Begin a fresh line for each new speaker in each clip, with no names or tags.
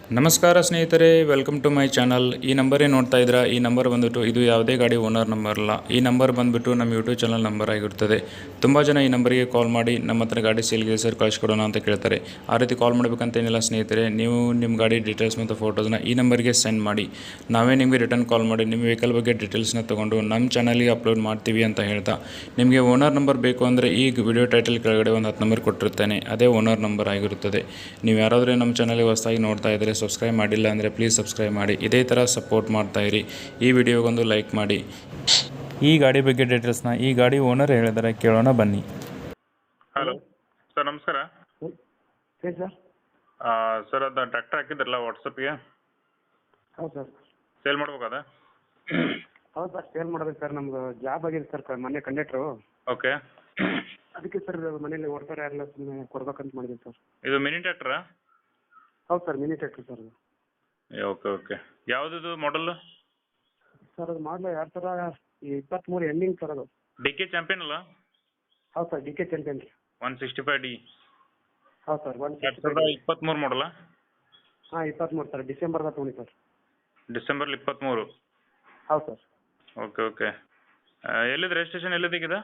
ನಮಸ್ಕಾರ ಸ್ನೇಹಿತರೆ, welcome to my channel. ಈ ನಂಬರೇ ನೋಡ್ತಾ ಇದ್ದೀರಾ. ಈ ನಂಬರ್ ಬಂದುಬಿಟ್ಟು ಇದು ಯಾವುದೇ ಗಾಡಿ ಓನರ್ ನಂಬರ್ ಅಲ್ಲ. ಈ ನಂಬರ್ ಬಂದುಬಿಟ್ಟು ನಮ್ಮ ಯೂಟ್ಯೂಬ್ ಚಾನಲ್ ನಂಬರ್ ಆಗಿರ್ತದೆ. ತುಂಬ ಜನ ಈ ನಂಬರಿಗೆ ಕಾಲ್ ಮಾಡಿ ನಮ್ಮ ಹತ್ರ ಗಾಡಿ ಸೇಲ್ಗೆ ಸರ್ ಕಳಿಸ್ಕೊಡೋಣ ಅಂತ ಕೇಳ್ತಾರೆ. ಆ ರೀತಿ ಕಾಲ್ ಮಾಡಬೇಕಂತೇನಿಲ್ಲ ಸ್ನೇಹಿತರೆ. ನೀವು ನಿಮ್ಮ ಗಾಡಿ ಡೀಟೇಲ್ಸ್ ಮತ್ತು ಫೋಟೋಸ್ನ ಈ ನಂಬರ್ಗೆ ಸೆಂಡ್ ಮಾಡಿ, ನಾವೇ ನಿಮಗೆ ರಿಟರ್ನ್ ಕಾಲ್ ಮಾಡಿ ನಿಮ್ಮ ವೆಹಿಕಲ್ ಬಗ್ಗೆ ಡೀಟೇಲ್ಸ್ನ ತೊಗೊಂಡು ನಮ್ಮ ಚಾನಲ್ಗೆ ಅಪ್ಲೋಡ್ ಮಾಡ್ತೀವಿ ಅಂತ ಹೇಳ್ತಾ, ನಿಮಗೆ ಓನರ್ ನಂಬರ್ ಬೇಕು ಅಂದರೆ ಈ ವಿಡಿಯೋ ಟೈಟಲ್ ಕೆಳಗಡೆ ಒಂದು 10 ನಂಬರ್ ಕೊಟ್ಟಿರ್ತೇನೆ. ಅದೇ ಓನರ್ ನಂಬರ್ ಆಗಿರುತ್ತದೆ. ನೀವು ಯಾರಾದರೂ ನಮ್ಮ ಚಾನಲ್ಗೆ ಹೊಸದಾಗಿ ನೋಡ್ತಾ ಇದ್ದರೆ, ಸಬ್ಸ್ಕ್ರೈಬ್ ಮಾಡಿಲ್ಲ ಅಂದರೆ ಪ್ಲೀಸ್ ಸಬ್ಸ್ಕ್ರೈಬ್ ಮಾಡಿ. ಇದೇ ಥರ ಸಪೋರ್ಟ್ ಮಾಡ್ತಾಯಿರಿ. ಈ ವಿಡಿಯೋಗೊಂದು ಲೈಕ್ ಮಾಡಿ. ಈ ಗಾಡಿ ಬಗ್ಗೆ ಡೀಟೇಲ್ಸ್ನ ಈ ಗಾಡಿ ಓನರ್ ಹೇಳಿದರೆ ಕೇಳೋಣ ಬನ್ನಿ.
ಹಲೋ ಸರ್, ನಮಸ್ಕಾರ.
ಹೇಳಿ ಸರ್.
ಸರ್, ಅದು ಟ್ರ್ಯಾಕ್ಟರ್ ಹಾಕಿದ್ರಲ್ಲ ವಾಟ್ಸಪ್ಗೆ,
ಹೌದು ಸರ್.
ಸೇಲ್ ಮಾಡ್ಬೇಕಾದ?
ಹೌದು ಸರ್, ಸೇಲ್ ಮಾಡಬೇಕು ಸರ್. ನಮ್ದು ಜಾಬ್ ಆಗಿದೆ ಸರ್, ಮೊನ್ನೆ ಕಂಡಕ್ಟ್ರು.
ಓಕೆ.
ಅದಕ್ಕೆ ಸರ್ ಮನೇಲಿ ಓಡ್ತಾರೆ ಯಾರೆಲ್ಲ ಸುಮ್ಮನೆ ಕೊಡ್ಬೇಕಂತ ಮಾಡಿದ್ವಿ ಸರ್.
ಇದು ಮಿನಿ ಟ್ರ್ಯಾಕ್ಟರಾ?
ಹೌದು ಸರ್, ಮಿನಿ ಟ್ರ್ಯಾಕ್ಟರ್ ಸರ್ ಅದು.
Okay okay. ಯಾವುದಿದು ಮಾಡಲ್?
ಸರ್ ಅದು ಮಾಡಲು 2023 ಎಂಡಿಂಗ್ ಸರ್ ಅದು.
ಡಿ ಕೆ ಚಾಂಪಿಯನ್ ಅಲ್ಲ?
ಹೌದು ಸರ್, DK ಚಾಂಪಿಯನ್ ರೀ.
165D.
ಹೌದು ಸರ್,
2023 ಮಾಡಲ್ಲ?
ಹಾಂ 23 ಸರ್, ಡಿಸೆಂಬರ್ದಾಗ ತೊಗೊಂಡು ಸರ್.
ಡಿಸೆಂಬರ್ 23.
ಹೌದು ಸರ್.
Okay okay. ಎಲ್ಲಿದೆ ರಿಜಿಸ್ಟ್ರೇಷನ್? ಎಲ್ಲಿದೆ?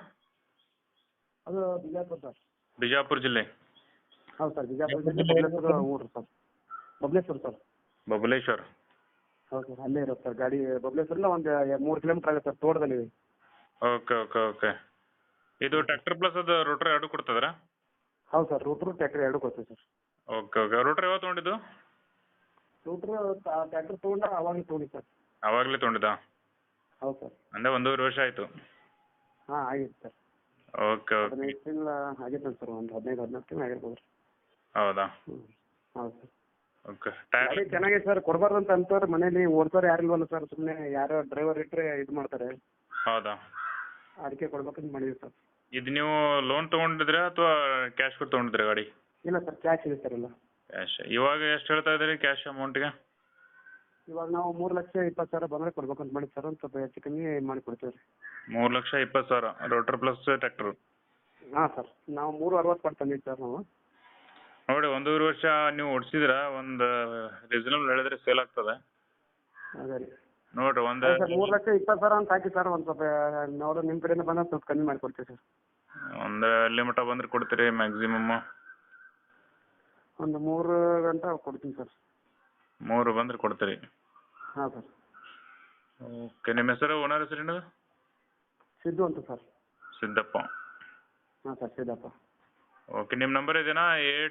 ಅದು ಬಿಜಾಪುರ ಸರ್.
ಬಿಜಾಪುರ ಜಿಲ್ಲೆ?
ಹೌದು ಸರ್, ಬಿಜಾಪುರ ಜಿಲ್ಲೆ ಬಬಲೇಶ್ವರ ಊರು ಸರ್. ಬಬಲೇಶ್ವರ ಸರ್.
ಬಬಲೇಶ್ವರ್.
ಹೌದು ಸರ್, ಅಲ್ಲೇ ಇರುತ್ತೆ ಸರ್ ಗಾಡಿ. ಬಬಲೇಶ್ವರಿಂದ ಒಂದು 3 ಕಿಲೋಮೀಟರ್ ಆಗುತ್ತೆ ಸರ್, ತೋಟದಲ್ಲಿ.
Okay okay okay. ಇದು ಟ್ರ್ಯಾಕ್ಟರ್ ಪ್ಲಸ್ ಅದು ರೋಟ್ರ್ ಎರಡು ಕೊಡ್ತದ್ರಾ?
ಹೌದು ಸರ್, ರೂಟ್ರು ಟ್ರ್ಯಾಕ್ಟರ್ ಎರಡು ಕೊಡ್ತೀವಿ ಸರ್.
Okay okay. ರೋಟ್ರ್ ಯಾವಾಗ ತೊಗೊಂಡಿದ್ದು?
ರೂಟ್ರು ಟ್ರ್ಯಾಕ್ಟರ್ ತೊಗೊಂಡ ಅವಾಗಲೇ ತೊಗೊಂಡು ಸರ್.
ಆವಾಗಲೇ ತೊಗೊಂಡಿದ್ದಾ?
ಹೌದು ಸರ್.
ಅಂದರೆ 1.5 ವರ್ಷ ಆಯಿತು.
ಹಾಂ ಆಗಿತ್ತು ಸರ್.
Okay okay.
15 ತಿಂಗಳು ಆಗೈತೆ ಸರ್, ಒಂದು 15-16 ತಿಂಗಳು ಆಗಿರ್ಬೋದು.
ಹೌದಾ?
ಹೌದು ಸರ್.
ಓಕೆ.
ಗಾಡಿ ಚೆನ್ನಾಗಿದೆ ಸರ್, ಕೊಡಬಾರ್ದು ಅಂತ ಅಂತವ್ರು ಮನೇಲಿ ಓಡ್ತಾರೆ ಯಾರಿಲ್ವಲ್ಲ ಸರ್, ಸುಮ್ಮನೆ ಯಾರೋ ಡ್ರೈವರ್ ಇಟ್ಟರೆ ಇದು ಮಾಡ್ತಾರೆ.
ಹೌದಾ?
ಅದಕ್ಕೆ ಕೊಡ್ಬೇಕಂತ ಮಾಡಿದ್ವಿ ಸರ್.
ಇದು ನೀವು ಲೋನ್ ತೊಗೊಂಡಿದ್ರಾ ಅಥವಾ ಕ್ಯಾಶ್ ಕೊಟ್ಟು ತೊಗೊಂಡಿದ್ರಾ ಗಾಡಿ?
ಇಲ್ಲ ಸರ್, ಕ್ಯಾಶ್ ಇದೆ ಸರ್ ಎಲ್ಲ.
ಕ್ಯಾಶ್. ಇವಾಗ ಎಷ್ಟು ಹೇಳ್ತಾ ಇದ್ದೀರಿ ಕ್ಯಾಶ್ ಅಮೌಂಟಿಗೆ?
ಇವಾಗ ನಾವು 3,20,000 ಬಂದರೆ ಕೊಡ್ಬೇಕಂತ ಮಾಡಿ ಸರ್, ಒಂದು ಸ್ವಲ್ಪ ಹೆಚ್ಚು ಕಮ್ಮಿ ಮಾಡಿ ಕೊಡ್ತೀವಿ ರೀ.
3,20,000 ರೋಟರ್ ಪ್ಲಸ್ ಟ್ರ್ಯಾಕ್ಟರ್?
ಹಾಂ ಸರ್, ನಾವು 3,60 ಕೊಟ್ಟು ತಂದಿದ್ದು ಸರ್ ನಾವು.
ನೋಡಿ, 1.5 ವರ್ಷ ನೀವು ಓಡಿಸಿದ್ರೆ ಒಂದು ರೀಸನಬಲ್ ಹೇಳಿದ್ರೆ ಸೇಲ್ ಆಗ್ತದೆ.
ಅದೇ ರೀ.
ನೋಡಿರಿ ಒಂದು
ಸರ್ 3,20,000 ಅಂತ ಹಾಕಿ ಸರ್, ಒಂದು ಸ್ವಲ್ಪ ನೋಡು ನಿಮ್ಮ ಕಡೆಯಿಂದ ಬಂದರೆ ಸ್ವಲ್ಪ ಕಮ್ಮಿ ಮಾಡಿ ಕೊಡ್ತೀವಿ ಸರ್.
ಒಂದು ಎಲ್ಲಿ ಮಟ್ಟ ಬಂದ್ರೆ ಕೊಡ್ತೀರಿ ಮ್ಯಾಕ್ಸಿಮಮ್?
ಒಂದು 3 ಗಂಟೆ ಕೊಡ್ತೀನಿ ಸರ್.
3 ಬಂದ್ರೆ ಕೊಡ್ತೀರಿ?
ಹಾಂ ಸರ್.
ಓಕೆ. ನಿಮ್ಮ ಹೆಸರು, ಓನರ್ ಹೆಸರು ಏನದು?
ಸಿದ್ದು ಅಂತ ಸರ್.
ಸಿದ್ದಪ್ಪ.
ಹಾಂ ಸರ್, ಸಿದ್ದಪ್ಪ.
ಓಕೆ. ನಿಮ್ಮ ನಂಬರ್ ಇದೆಯಾ?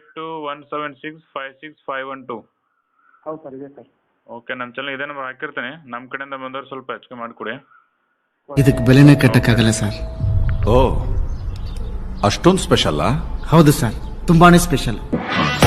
8217656512?
ಹೌದು ಸರ್, ಇದೆ ಸರ್.
ಓಕೆ. ನಮ್ಮ ಚಾನಲ್ ಇದೇ ನಂಬರ್ ಹಾಕಿರ್ತೀನಿ. ನಮ್ಮ ಕಡೆಯಿಂದ ಬಂದವರು ಸ್ವಲ್ಪ ಹೆಚ್ಚಿಗೆ ಮಾಡಿಕೊಡಿ.
ಇದಕ್ಕೆ ಬೆಲೆನೇ ಕಟ್ಟಕ್ಕಾಗಲ್ಲ ಸರ್.
ಓ, ಅಷ್ಟೊಂದು ಸ್ಪೆಷಲ್ಲಾ?
ಹೌದು ಸರ್, ತುಂಬಾನೇ ಸ್ಪೆಷಲ್.